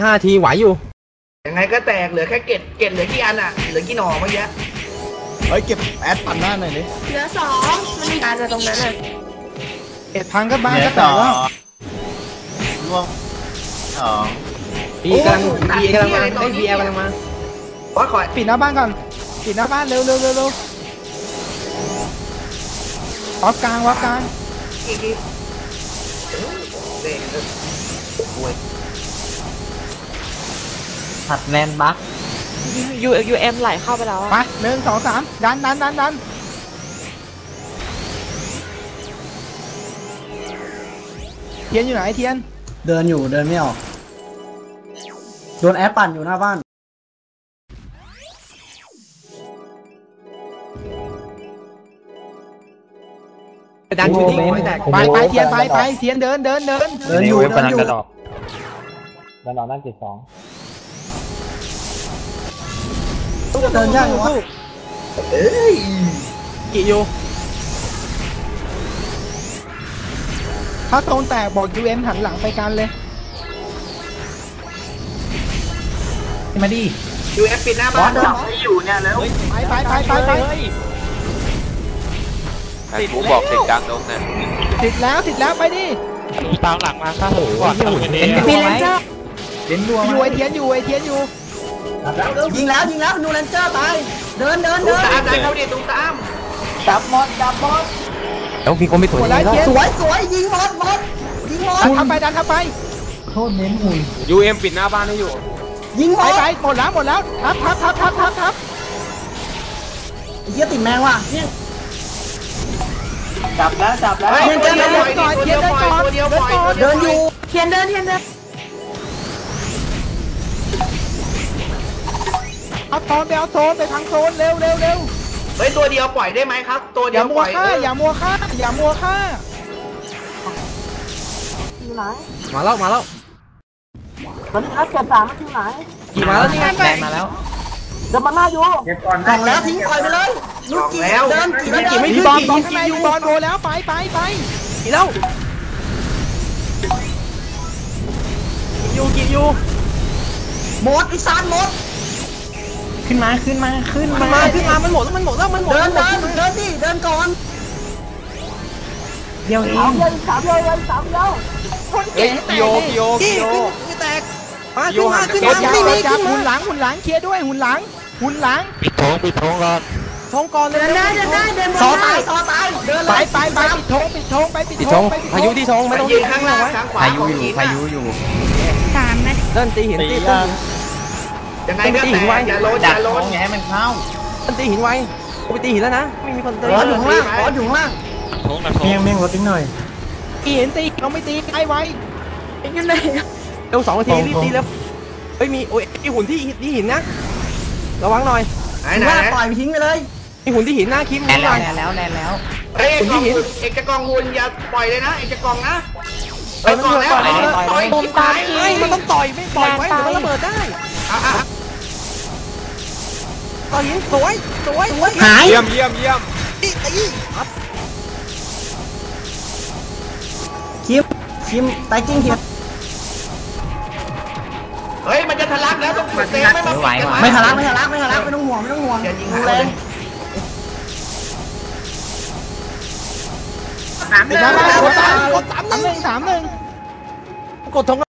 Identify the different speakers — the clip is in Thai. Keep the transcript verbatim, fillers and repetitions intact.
Speaker 1: ห้าทีไหวอยู่
Speaker 2: ยังไงก็แตกเหลือแค่เกตเกตเหลือกี่อันอ่ะเหลือกี่หน่อเมื่อกี้
Speaker 3: เฮ้ยเก็บแอดปั่นหน้าหน่อยดิ
Speaker 4: เหลือสองมันมีการจะตรงนั้นอ่ะ
Speaker 3: เอ็ดพังก็บ้านก็แตกแล้วร่วงสอง
Speaker 1: ปีกำลังปีกำลังมาไอ้ปีแอลกำลังมา
Speaker 2: ขอขอ
Speaker 3: ปิดหน้าบ้านก่อนปิดหน้าบ้านเร็วเร็วเร็วเร็ววับกลางวับกลาง
Speaker 2: อีกทีเด็กโอ้ย
Speaker 1: ผัดแลนบัค
Speaker 4: ยูยูเอ็มไหลเข้าไปแล้ว
Speaker 3: ไปหนึ่งสองสามดันดันดันดันเทียนอยู่ไหนเทียน
Speaker 5: เดินอยู่เดินไม่ออกโดนแอปปั่นอยู่หน้าบ้าน
Speaker 1: ดันชูทิ้ง
Speaker 3: ไปไปเทียนไปไปเทียนเดินเดินเดิน
Speaker 5: เดินอยู่เดินอยู่
Speaker 1: ดันออกดันออกนั่นเจ็ดสอง
Speaker 5: เดินยากอยู่วะ
Speaker 2: เอ้ย
Speaker 1: กี่อยู่
Speaker 3: ถ้าโซนแตกบอกยูเอ็มหันหลังไปกันเลยมาดิ
Speaker 2: ยูเอฟปิดหน้าบ้านจับให้อยู่เนี่ยแล้ว
Speaker 3: ไปไปไปไปไป
Speaker 6: ติดบอกติดกลางดงนะ
Speaker 3: ติดแล้วติดแล้วไปดิ
Speaker 1: ดูตามหลังมาข้าหูก่อน
Speaker 3: เป็น
Speaker 4: มีเลนเจอร์
Speaker 3: เล่นรัวอยู่ไอเทียนอยู่ไอเทียนอยู่
Speaker 5: ยิงแล้วยิงแล้วนูเลนเจอร์ตายเดินเดินเดิน
Speaker 2: ตามตามเขาดิตุ้มตาม
Speaker 5: จับมอสจับมอส
Speaker 1: แล้วมีคนไม่สวย
Speaker 5: แล้วสวยสวยยิงมอสมอสยิงมอส
Speaker 3: ดันทำไปดันทำไป
Speaker 5: โทษเน้นหุ่น
Speaker 6: ยูเอ็มปิดหน้าบ้านให้อยู่
Speaker 5: ยิงมอส
Speaker 3: ไปหมดแล้วหมดแล้วทับทับทับทับทับทับ
Speaker 5: เยี่ยติดแมงว่ะเนี่ยจับแล้วจับแล้ว
Speaker 2: เทียนเดินก่อนเทียนเดินก่อนเดียวปล่อย
Speaker 5: เดินอยู่
Speaker 4: เทียนเดินเทียนเดิน
Speaker 3: เอาโซนไปเอาโซนไปทางโซนเร็วเร็วเร็ว
Speaker 2: เฮ้ยตัวเดียวปล่อยได้ไหมครับตัวเดียวปล่อย
Speaker 3: อย่ามัวฆ่าอย่ามัวฆ่า
Speaker 5: อยู่ไหน
Speaker 1: มาแล้วมาแล้ว
Speaker 5: ตอนนี้อัดเก็บสามมันอยู่ไหน
Speaker 1: กี่มาแล้วนี่แรงมาแล้ว
Speaker 5: เดินมาหน้าอยู่กล่องแล้วทิ้งปล่อยไปเลยลูกจีเดินจี
Speaker 3: ไม่กี่ไม่กี่บอลบอลข้างในอยู่บอลโดแล้วไปไปไป
Speaker 1: กี่แล้วอยู่กี่อยู่
Speaker 5: หมดอีสานหมด
Speaker 3: ขึ้นมาขึ้นมาขึ้น
Speaker 1: มาขึ้นมามันหมดแล้วมันหมดแล้วมันหมด
Speaker 5: เดินเดินเดินดิเดินก่อน
Speaker 3: เดียวเอง
Speaker 5: สามเดียวสามเดียวสามเดียว
Speaker 1: คนเก่งโยกโยกโยก
Speaker 3: ไม่แตกมาขึ้นมาขึ้นมาขึ้นมาหุ่นหลังหุ่นหลังเคลียร์ด้วยหุ่นหลังหุ่นหลัง
Speaker 1: ปิดท้องปิดท้องก่อนท้องก่อนเลย
Speaker 4: เดินได้เดินได้เดิน
Speaker 5: ซอตายซอตายเดิน
Speaker 3: ไปไปไปปิดท้องปิดท้องไปปิดท้องไป
Speaker 1: พายุที่ท้องไม่ต้อง
Speaker 2: ยืนข้างล่างข้างขวา
Speaker 1: พายุอยู่พายุอยู่
Speaker 4: สามนะ
Speaker 1: เดินตีหินตี
Speaker 2: ยังไงก็แต่อย่าโลนอย่าโลน
Speaker 1: ไงมันเข้าเดินตีหินไว้กูไปตีหินแล้วนะไม่มีคนตี
Speaker 5: ขออยู่ข้างล่างขออยู่ข้างล่าง
Speaker 3: เมียงเมียงรถนิดหน่อยตีหินตีเราไม่ตีไอ้ไว้
Speaker 4: ยังไง
Speaker 1: เร็วสองนาทีรีบตีแล้วเฮ้ยมีโอ้ยมีหุ่นที่ที่หินนะระวังหน่อย
Speaker 2: ไหนไหน
Speaker 5: ปล่อยไปทิ้งไปเลย
Speaker 1: มีหุ่นที่หินนะคิม
Speaker 3: แน่แล้วแน่แล้วแน่แล้ว
Speaker 2: เฮ้ยหุ่นที่หินเอกจะกองหุ่นอย่าปล่อยเลยนะเอกจะกองนะไปก่อนแล้วต่อย
Speaker 4: ผมตาม
Speaker 1: ไอ้มันต้องต่อยไม่ปล่อยไว้เดี๋ยวมันระเบิดได้ต่อยหินสวยสวย
Speaker 5: หาย
Speaker 6: เยี่ยมเยี่ยมเยี่ยม
Speaker 1: ตีตี
Speaker 5: คิมคิมไตกิ้งคิม
Speaker 2: เฮ้ยมันจะทะลักแล้วต้องเตะไม่ไหว
Speaker 5: ไม่ทะลักไม่ทะลักไม่ทะลักไม่ต้องห่วงไม่ต้องห่วงดูแล
Speaker 3: สามหนึ่งสามหนึ่งสามหนึ่งกดทง